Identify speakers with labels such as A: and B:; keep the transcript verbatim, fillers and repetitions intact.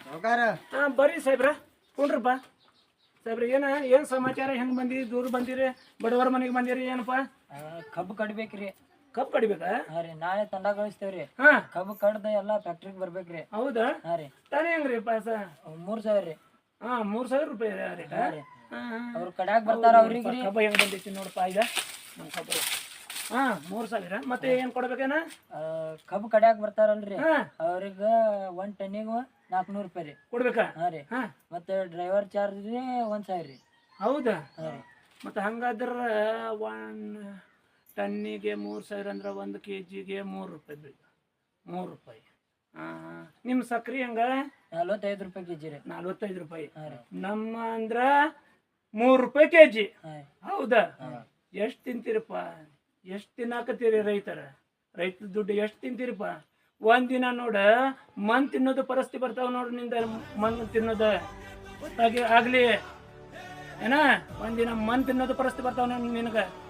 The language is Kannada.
A: ಹಾಂ ಬರ್ರಿ ಸಾಹೇಬ್ರ ಕುಂಡ್ರಪ್ಪ ಸಾಹೇಬ್ರ ಏನ ಏನು ಸಮಾಚಾರ ಹೆಂಗೆ ಬಂದಿರಿ ದೂರ ಬಂದಿರಿ ಬಡವರ ಮನೆಗೆ ಬಂದಿರಿ ಏನಪ್ಪ
B: ಕಬ್ಬು ಕಡ್ಬೇಕ್ರಿ
A: ಕಪ್ ಕಡಿಬೇಕಾ
B: ಹಾ ರೀ ನಾಳೆ ತಂಡ ಕಳಿಸ್ತೇವ್ರಿ
A: ಹಾಂ
B: ಕಬ್ಬು ಕಡ್ದ ಎಲ್ಲಾ ಫ್ಯಾಕ್ಟ್ರಿಗೆ ಬರ್ಬೇಕ್ರಿ
A: ಹೌದಾ
B: ಹಾ ರೀ
A: ತಾನೇ ಹೆಂಗ್ರಿ ಪಾಸ
B: ಮೂರ್ ಸಾವಿರ ರೀ
A: ಹಾಂ ಮೂರು ಸಾವಿರ ರೂಪಾಯಿ ರೇಟ
B: ಹಾ ರೀ
A: ಹಾಂ
B: ಅವ್ರ ಕಡ್ಯಾಕ್ ಬರ್ತಾರ ಅವ್ರಿಗೆ ರೀ
A: ಕಬ್ಬ ಹೆಂಗೆ ಬಂದೈತಿ ನೋಡಪ್ಪ ಈಗ ನಮ್ಮ ಕಬ್ಬು ಹಾಂ ಮೂರು ಸಾವಿರ ಮತ್ತೆ ಏನು ಕೊಡ್ಬೇಕೇನ
B: ಕಬ್ಬು ಕಡ್ಯಾಕ್ ಬರ್ತಾರಲ್ರಿ
A: ಹಾಂ
B: ಅವ್ರಿಗ ಒಂದ್ ಟನ್ನಿಗೆ ನಾಲ್ಕುನೂರು ರೂಪಾಯಿ ರೀ
A: ಕೊಡ್ಬೇಕಾ
B: ಹಾ ರೀ
A: ಹಾಂ
B: ಮತ್ತೆ ಡ್ರೈವರ್ ಚಾರ್ಜ್ ರೀ ಒಂದ್ ಸಾವಿರ ರೀ
A: ಹೌದಾ
B: ಹಾ ರೀ
A: ಮತ್ತು ಹಂಗಾದ್ರೆ ಒನ್ ಟನ್ನಿಗೆ ಮೂರು ಸಾವಿರ ಅಂದ್ರೆ ಒಂದು ಕೆ ಜಿಗೆ ಮೂರು ರೂಪಾಯಿ ಬೀಳ ಮೂರು ರೂಪಾಯಿ ಹಾಂ ನಿಮ್ಮ ಸಕ್ರೆ ಹಂಗೆ
B: ನಲ್ವತ್ತೈದು ರೂಪಾಯಿ ಕೆಜಿ ರೀ
A: ನಲ್ವತ್ತೈದು ರೂಪಾಯಿ
B: ಹಾ ರೀ
A: ನಮ್ಮ ಅಂದ್ರೆ ಮೂರು ರೂಪಾಯಿ ಕೆ ಜಿ
B: ಹಾ
A: ಹೌದಾ ಎಷ್ಟು ತಿಂತೀರಪ್ಪ ಎಷ್ಟು ತಿನ್ನಾಕತ್ತೀರಿ ರೈತರ ರೈತ ದುಡ್ಡು ಎಷ್ಟು ತಿಂತೀರಪ್ಪ ಒಂದಿನ ನೋಡ ಮನ್ ತಿನ್ನೋದು ಪರಿಸ್ಥಿತಿ ಬರ್ತಾವ ನೋಡ್ರಿ ನಿಂದ ಮನ್ ತಿನ್ನೋದು ಹಾಗೆ ಆಗಲಿ ಏನ ಒಂದಿನ ಮನ್ ತಿನ್ನೋದು ಪರಿಸ್ಥಿತಿ ಬರ್ತಾವ ನೋಡಿ ನಿನಗೆ